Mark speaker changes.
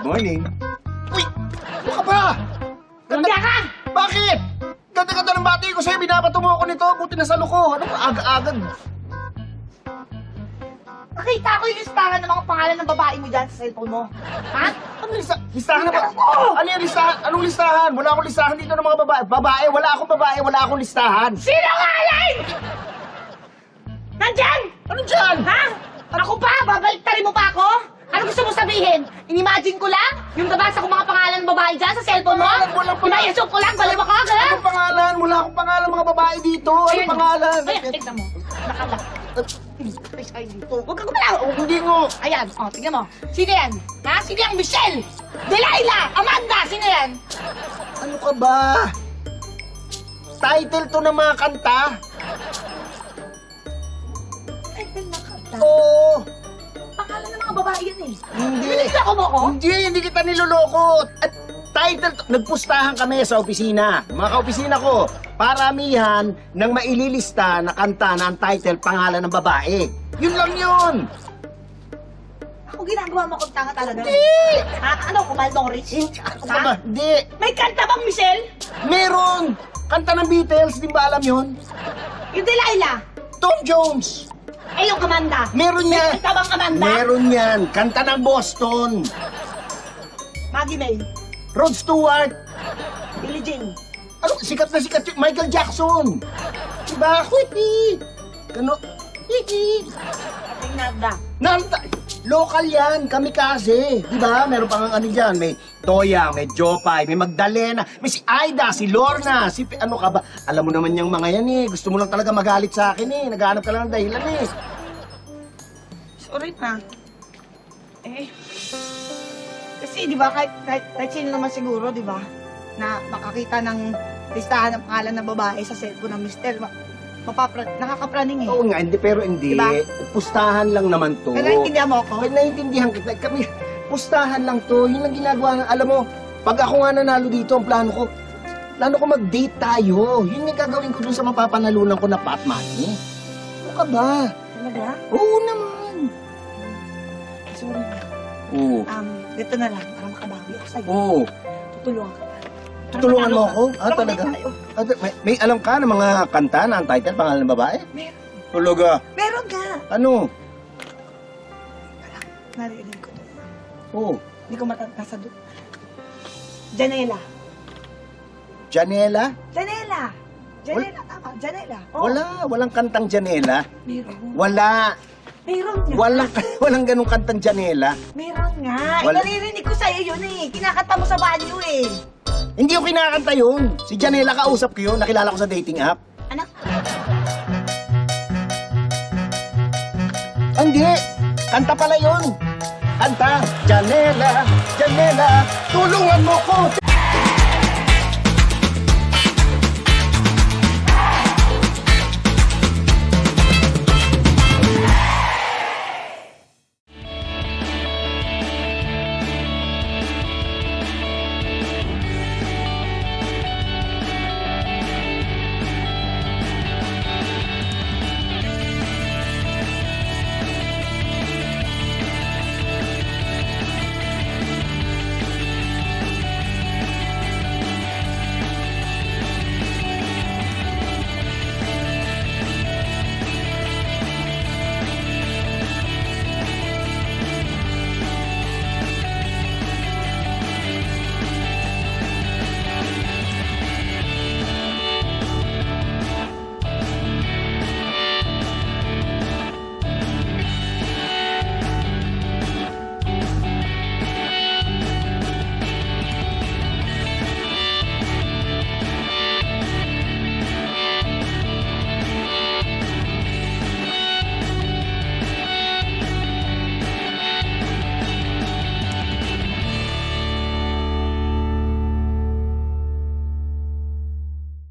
Speaker 1: Morning. Uy! Ano ka ba?
Speaker 2: Ganda ka!
Speaker 1: Bakit? Ganda-ganda ng bati ko sa'yo. Binabato mo ako nito. Buti na sa loko. Ano ka? Aga-agad.
Speaker 2: Nakita ko yung listahan ng mga pangalan ng babae mo dyan sa cellphone mo. Ha?
Speaker 1: Ano listahan na ba?
Speaker 2: Oo!
Speaker 1: Ano yung listahan? Anong listahan? Wala akong listahan dito ng mga babae. Babae? Wala akong babae. Wala akong listahan.
Speaker 2: Sinungaling! Nandyan!
Speaker 1: Ano dyan?
Speaker 2: Ha? Ako pa? Babaliktarin mo pa ako? Ano gusto mo sabihin? Inimagine ko lang? Yung nabasa ko mga pangalan ng babae dyan sa cellphone mo?
Speaker 1: Walang pangalan.
Speaker 2: Imayasok ko lang, balawa ka, gano'n?
Speaker 1: Anong pangalan? Wala akong pangalan mga babae dito. Anong pangalan?
Speaker 2: Ayan, tignan mo. Nakalak. Ay, dito. Huwag ka gumalaw.
Speaker 1: Hindi mo.
Speaker 2: Ayan, tignan mo. Sino yan? Ha? Sino yan? Michelle! Delilah! Amanda! Sino yan?
Speaker 1: Ano ka ba? Title to ng mga kanta.
Speaker 2: Ay, nakata.
Speaker 1: Oo.
Speaker 2: Pangalan ng mga babae yan eh.
Speaker 1: Hindi.
Speaker 2: Niloko mo ko?
Speaker 1: Hindi kita niloloko. At title, nagpustahan kami sa opisina. Mga kaopisina ko, paramihan ng maililista na kanta na ang title, pangalan ng babae. Yun lang yun.
Speaker 2: Ako ginagawa mo kong tanga talaga.
Speaker 1: Hindi.
Speaker 2: Ha? Ano, kumal Norris?
Speaker 1: Ano ka ba? Hindi.
Speaker 2: May kanta bang Michelle?
Speaker 1: Meron. Kanta ng Beatles, di ba alam yun?
Speaker 2: Yung Delilah?
Speaker 1: Tom Jones.
Speaker 2: Eh, yung Amanda?
Speaker 1: Meron
Speaker 2: May
Speaker 1: yan.
Speaker 2: kanta bang Amanda?
Speaker 1: Meron yan. Kanta ng Boston.
Speaker 2: Maggie May?
Speaker 1: Rod Stewart.
Speaker 2: Billie Jean?
Speaker 1: Ano, sikat na sikat yun. Michael Jackson. Diba? Whitney. Gano? Whitney.
Speaker 2: Ating Nagda?
Speaker 1: Nanta. Local yan. Kamikaze. Diba? Meron pang ano dyan. May Toya, may Jopay, may Magdalena, may si Aida, si Lorna, si... Ano ka ba? Alam mo naman yung mga yan eh. Gusto mo lang talaga magalit sa akin eh. Naghahanap ka lang ng dahilan eh.
Speaker 2: Sorry na. Eh, kasi di ba kahit sino naman siguro, di ba, na makakita ng listahan ng pangalan ng babae sa cellphone ng mister, nakakapraning eh.
Speaker 1: Oo nga, hindi, pero hindi.
Speaker 2: Diba?
Speaker 1: Pustahan lang naman to.
Speaker 2: Kaya naintindihan mo ako?
Speaker 1: Kaya naiintindihan kita. Kami, pustahan lang to. Yun lang ginagawa. Alam mo, pag ako nga nanalo dito, ang plano ko mag-date tayo. Yun yung gagawin ko dun sa mapapanalunan ko na pot money. Ano ka ba?
Speaker 2: Talaga?
Speaker 1: Oo naman.
Speaker 2: Sorry na.
Speaker 1: Oo.
Speaker 2: Dito na lang, para makabawi ako sa'yo.
Speaker 1: Oo.
Speaker 2: Tutulungan ka.
Speaker 1: Tutulungan mo ako? Ah,
Speaker 2: Para
Speaker 1: talaga?
Speaker 2: mag-date tayo.
Speaker 1: May alam ka ng mga kanta na ang title, pangalan ng babae?
Speaker 2: Meron.
Speaker 1: Tuluga.
Speaker 2: Meron nga.
Speaker 1: Ano?
Speaker 2: Narinig ko to.
Speaker 1: Oo.
Speaker 2: Hindi ko nasa doon. Janela.
Speaker 1: Janela?
Speaker 2: Janela. Janela, tama. Janela. Oo.
Speaker 1: Walang kantang Janela.
Speaker 2: Meron.
Speaker 1: Wala.
Speaker 2: Meron nga.
Speaker 1: Walang ganung kantang Janela.
Speaker 2: Meron nga.
Speaker 1: Wala.
Speaker 2: Naririnig ko sa'yo yun eh. Kinakanta mo sa banyo eh.
Speaker 1: Hindi ko kinakanta yun. Si Janela kausap ko yun. Nakilala ko sa dating app.
Speaker 2: Anak?
Speaker 1: Hindi. Kanta pala yun. Kanta. Janela, Janela, tulungan mo ko.